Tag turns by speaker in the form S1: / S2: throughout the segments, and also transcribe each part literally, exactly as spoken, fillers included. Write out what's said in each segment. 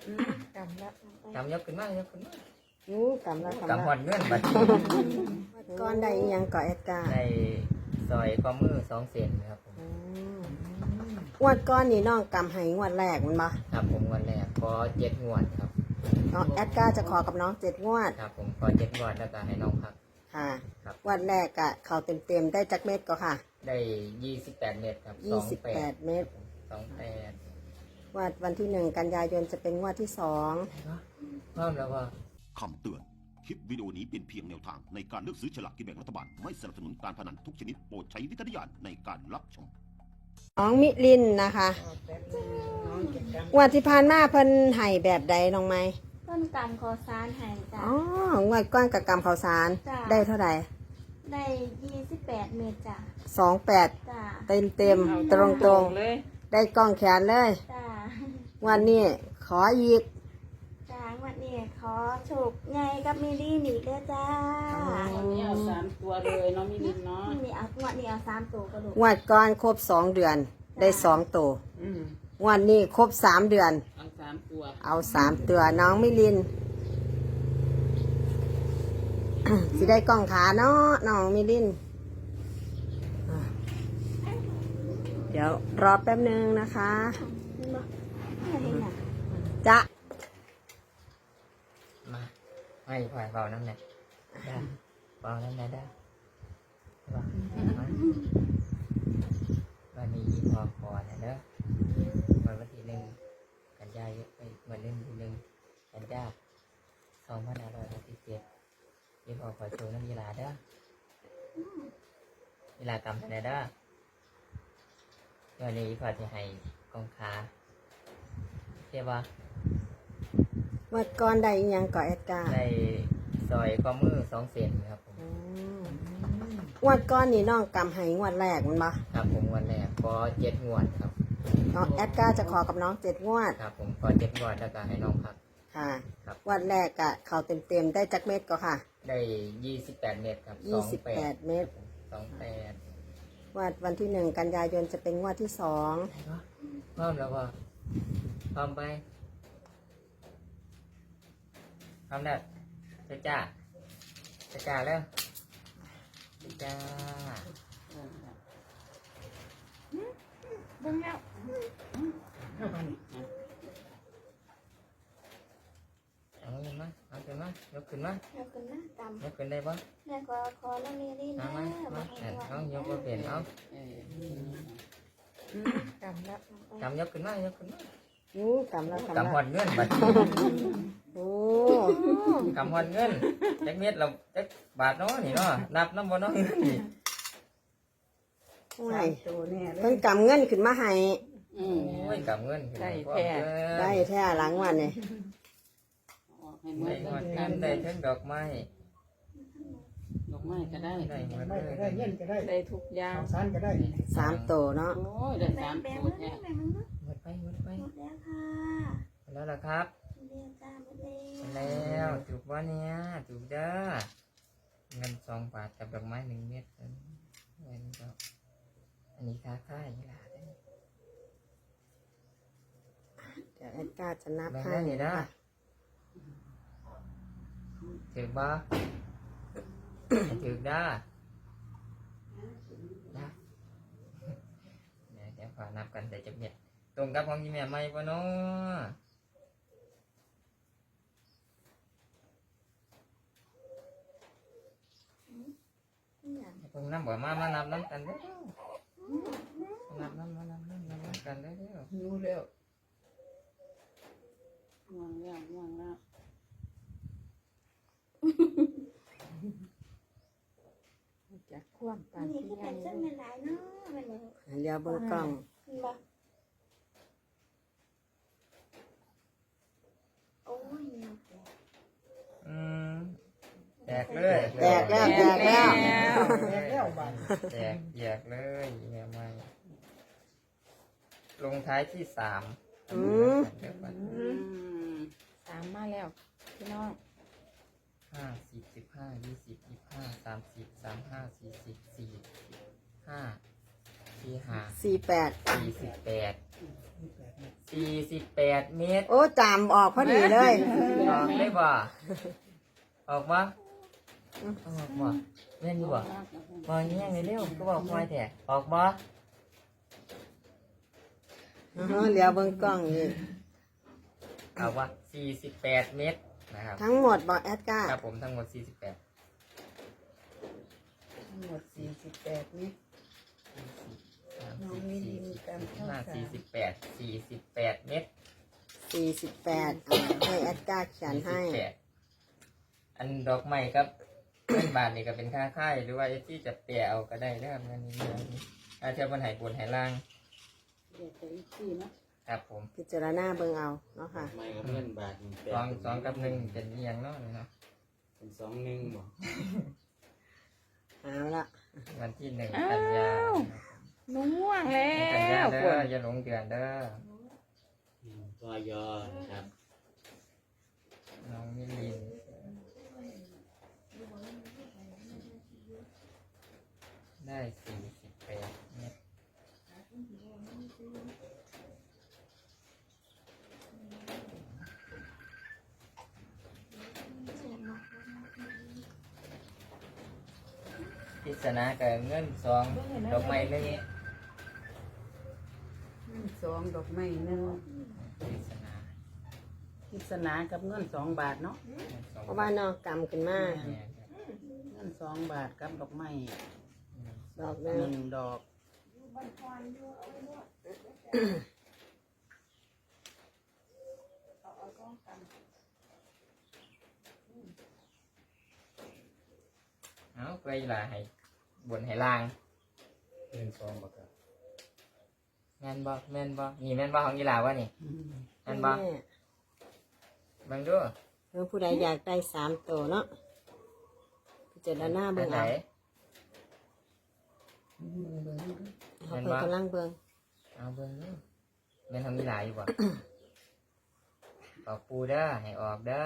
S1: กำละ
S2: กำยกขึ้นมายกขึ้นมา
S1: ยูกำละ
S2: กำหอดเงินบัด
S1: ก้อนใดอีหยังก่อแอดการ์
S2: ในซอยข้อมือสองเซนครับผม
S1: งวดก้อนนี่น้องกำให้งวดแรกมันบ่
S2: ครับผมวันแรกขอเจ็ดงวดครับ
S1: น้องแอดการ์จะขอกับน้องเจ็ดงวด
S2: ครับผมขอเจ็ดงวดแล้วก็ให้น้องพัก
S1: ค่ะ
S2: ครับ
S1: งวดแรกอะเขาเต็มเต็มๆได้จักเม็ดก็ค่ะ
S2: ได้ยี่สิบแปดเมตรครับ
S1: ยี่สิบแปดเมตร
S2: สองแปด
S1: งวดวันที่หนึ่งกันยายนจะเป็นงวดที่สอง
S2: พร้อมแล้วว่า
S3: คำเตือน คลิปวิดีโอนี้เป็นเพียงแนวทางในการเลือกซื้อฉลากกินแบ่งรัฐบาล ไม่สนับสนุนการพนันทุกชนิดโปรดใช้วิจารณญาณในการรับชม
S1: น้องมิลินนะคะงวดที่ผ่านมาเพิ่นให้แบบใดน้องไหม
S4: ต้นกำคอซานหายจ้ะ
S1: อ๋องวดก้อนกับกำข้าวสาร
S4: จ้ะ
S1: ได้เท่าไหร่
S4: ได้ยี่สิบแปดเมตรจ้ะ
S1: สองแปด
S4: จ้ะ
S1: เต็มเต็มตรงตรงๆ
S5: เลย
S1: ได้กล้องแขนเลย
S4: จ้ะ
S1: วันนี้ขออีก
S4: จ้ะวันนี้ขอโฉกไงกับมิลลี่หนีเด้อจ้า
S5: วันนี้เอาสามตัวเลยเน้องมิลินเนาะ
S4: มีเอางวดนี้เอาสามตัวกระดูก
S1: งวดก่อนครบสองเดือน ได้สองตัว
S5: อืม
S1: งวดนี้ครบสามเดือน
S5: เอาสามตัว
S1: เอาสามตัวน้องมิลิน สิได้กล้องขาเนาะน้องมิลินอ่ะเดี๋ยวรอแป๊บนึงนะคะ
S4: เห็นบ่ไม่เห็นอ่ะ
S1: จะ
S2: มาให้ผ่อยเบาน้ำหนักได้เบาน้ำหนักได้เบามาวันนี้อีพอพอนะเด้อวันวันที่หนึ่งกันยายนไปวันเล่นที่หนึ่งกันยาสองพันห้าร้อยหกสิบเจ็ดอีพอขอโชว์น้ำยีราเด้อยีรากำไหนเด้อวันนี้อีพอจะให้กองขาเทียบว่า
S1: งวดก่อนได้อีหยังก่อแอดการ์
S2: ในซอยข้อมือสองเซนครับผม
S1: งวดก้อนนี่น้องกำให้งวดแรกมันบ่
S2: ครับผมวันแรกขอเจ็ดงวดครับ
S1: น้องแอดการ์จะขอกับน้องเจ็ดงวด
S2: ครับผมขอเจ็ดงวดแล้วก็ให้น้องพัก
S1: ค่ะ
S2: ครับ
S1: งวดแรกอะเขาเต็มเต็มๆได้จักเม็ดก็ค่ะ
S2: ได้ยี่สิบแปดเมตรครับ
S1: ยี่สิบแปดเมตร
S2: สองแปด
S1: งวดวันที่หนึ่งกันยายนจะเป็นงวดที่สอง
S2: พร้อมแล้วว่าพร้อมไปพร้อมแล้วจ้าจ้าจ้าจ้าแล้วจ้า
S5: เบิ่งแล้ว
S2: เอาเงินมาเอาขึ้นมายกขึ้นมา
S4: เดี๋ยวขึ้นหน้ากำ
S2: ยกขึ้นได้ปะ
S4: แม่ขอขอแล้วมิลลี่
S2: เอา
S4: นะ
S2: มามาเอายกมาเปลี่ยนเอา
S5: เออก
S1: ำละ
S2: กำยกขึ้นมายกขึ้นมา
S1: ยูกำละกำ
S2: กำหอ
S1: ละ
S2: ดเงินบัด
S1: โอ้
S2: กำหอดเงินจักเม็ดเราจักบาทเนาะนี่เนาะนับน้ำบ่เนาะเงินนี่
S1: ไม่เพิ่นกำเงินขึ้นมาให้
S5: อืม
S2: โอ้ยกำเงินขึ้นมาพร้อมเกิน
S1: ได้แท้หลังวันนี่
S5: ออกให้หม
S2: ได้
S5: ด
S2: หอดเงินได้ทั้งดอกไม้
S5: ดอกไม้ก็ได้
S2: ได้หมด
S6: ไม่
S2: เล
S6: ก็
S2: ย
S6: ได้เย็นก็ได้
S5: ได้ทุกอย่าง
S6: สารก็ได้
S1: สามตัวเนาะ
S5: โอ้ยได้
S4: แบ่
S5: สาง ม
S4: แบ่ง
S5: ตัว
S4: มา
S5: แท้
S4: แบ่งมา
S2: หมดไปหมดไป
S4: หมดแล้วค่ะ
S2: หมดแล้วล่ะครับ
S4: เรียนจ้าหมดแล้ว
S2: หมดแล้วถูกว่าเนี่ยถูกเด้อเงินสองบาทกับดอกไม้หนึ่งเม็ดเงินก็อันนี้ค่าค่ายนี่ล่ะ
S1: เดี๋ยวแอดการ์จะนับ
S2: แบ่ง
S1: ให้
S2: ได้นี่นะถือบ่ถือได้นะเดี๋ยวเดี๋ยวขอนับกันแต่จะเม็ดตรงกับของยี่แม่ไม่ปะเนาะตรงน้ำบ่มามานับน้ำกันเด้อนับน้ำมานับน้ำนับน้ำกันเด้อ
S5: หิวแล้วง่วงแล้วง่วงแล้ว
S1: จะคว่ำปาน
S4: นี่
S1: ที่
S4: คือ
S1: ใหญ่
S4: เป็นเส้นเป็นหลายเนาะมันเลย
S1: เดี๋ยวเบิ่งกล้อง
S4: เห็นบ่โอ้ยเงียบเลย
S2: อืมแจกเลย
S1: แตกแล้วแตกแล้ว
S6: แยกแล้วบาน
S2: แจกแจกเลยแม่ไม่ลงท้ายที่สาม
S1: อืม
S2: เดี๋ยวก่อน
S5: อืม
S1: สามมาแล้วพี่น้อง
S2: ห้าสิบสิบห้ายี่สิบยี่สิบห้าสามสิบสามห้าสี่สิบสี่ห้าสี่ห้า
S1: สี่แปด
S2: สี่สิบแปดสี่สิบแปดเมตร
S1: โอ้จำออกพอดีเลย
S2: ออกได้บ่ออกบ่ออกบ่เล่นอยู่บ่บ่แย่งเร็วๆก็บอกคอยแท้ออกบ่
S1: อือฮะเหลียวเบิ่งกล้องอีก
S2: เอาว่าสี่สิบแปดเมตรนะครับ
S1: ทั้งหมดบอกแอดการ์
S2: ครับผมทั้งหมดสี่สิบแปด
S6: ทั้งหมดสี่สิบแปดนี่ น้องมิลินกันเข้า
S2: ห้า
S6: สาม
S2: สี่สิบแปดสี่สิบแปดเมตร
S1: สี่สิบแปดอ่ะให้แอดการ์เขียนให้
S2: สี่สิบแปดอันดอกไม้ครับ เงินบาทนี่ก็เป็นค่าค่ายหรือว่าที่จะเปลี่ยเอาก็ได้นะครับอันนี้อาจจะมันหายบนหายล่าง
S6: เดี๋ยวจะอีกทีเนาะ
S2: ครับผม
S1: พิจารณาเบิ่งเอาเนาะค่ะ
S7: ไม่กับเงินบาทนี่แปด
S2: สองสองกับหนึ่งเป็นเอียงเนาะเนาะ
S7: เป็นสองหนึ่งบ่
S1: เอาละ
S2: วันที่หนึ่งกันยา
S5: หนูง่วงแล้
S2: กันยาว เด้
S5: ปว
S2: อ
S5: ด
S2: อย่าหลงเดือนเด้อ
S7: อืมตัวยอนะครับ
S2: น้องมิลินได้สี่สิบแปดเมตรพิศนากับเงินสองดอกไม้หนึ่ง
S6: สองดอกไม้หนึ่ง
S2: พิศนา
S6: พิศนากับเงินสองบาทเนาะ
S2: สอง
S1: เพราะว่านอกกรรมขึ้นมา
S2: เนี่ยครับ
S6: เงินสองบาทกับดอกไม้
S1: ดอกห
S6: ห
S1: นึง
S6: นึ่งดอก
S2: เอาไปละให้บนให้ล่าง
S7: หนึ่งสองบ่ครับ
S2: แม่นบ่แม่นบ่นี่แม่นบ่ของกีฬาวะนี่
S6: อืม
S2: แม่นบ่
S1: แม่
S2: เบิ่งดู
S1: เมื่อผู้ใดอยากได้สามตัวเนาะพิจารณา
S2: อั
S1: เบิ่
S2: น
S1: ง
S2: ไหน
S1: เอาเขาเพิ่นกำลังเบิ่ง
S2: เอาเบิ่งดูแม่นของกีฬาอยู่บ่ ออกปูเด้อให้ออกเด้อ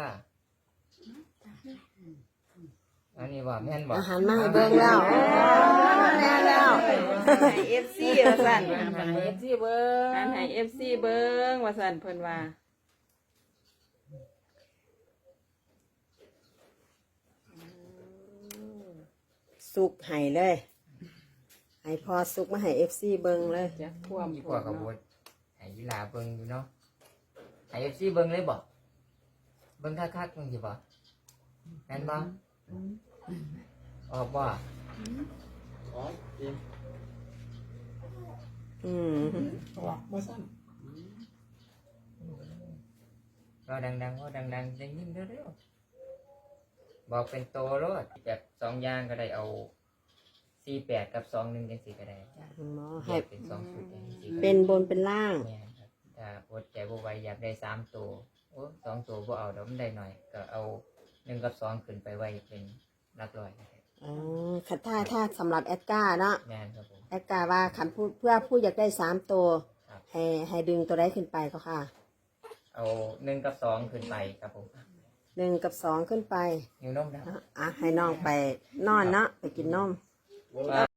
S2: อันนี้บ่แม่นบ่
S1: อาหารมาให้เบิ่งแล้วโอ้แน่แล้ว
S5: ให้เอฟซีว่าสั่น
S6: อ่านให้เอฟซีเบิ้ง
S5: อ่านให้เอฟซีเบิ้งว่าสั่นเพิ่นว่า
S1: สุกให้เลยให้พอสุกมาให้เอฟซีเบิ่งเลย
S5: จะท่วม
S2: อี
S5: ฝ
S2: พวก
S5: น
S2: กับ
S5: เนาะ
S2: บดให้กีฬาเบิ่งอยู่เนาะให้ เอฟ ซี เบิ่งเลยบ่เบิ่งคักๆมึงสิบ่แม่นบ่ออกบ่
S7: อ๋อจริง
S1: อืม
S6: ออกมาสั้น
S2: ก็ดังๆก็ดังๆได้ยินเร็วๆบอกเป็นโตรถแบบสองอย่างก็ได้เอาสี่แปดกับสองหนึ่งจังสี่ก็ได้
S1: หมอ
S2: แย
S1: ให้
S2: กเป็นสองชุดจังสี่ก็
S1: เป็
S2: ได้
S1: นบนเป็นล่าง
S2: แม่นครับถ้าอดใจบ่ไหวอยากได้สามตัวโอ้สองตัวบ่เอาเดี๋ยวมันได้หน่อย ก็เอาหนึ่งกับสองขึ้นไปไว้เป็นหลักร้อยก็ได้
S1: อ๋อคันถ้าถ้าสำหรับแอดการ์เนาะ
S2: แม่นครับผม
S1: แอดการ์ว่าคันผู้เพื่อผู้อยากได้สามตัว
S2: ครับ
S1: ให้ให้ดึงตัวได้ขึ้นไปก็ค่ะ
S2: เอาหนึ่งกับสองขึ้นไปครับผม
S1: หนึ่งกับสองขึ้นไป
S2: นิ้วนมดำ
S1: อ่ะให้น้องไปนอนเนาะไปกินนม
S2: ว่า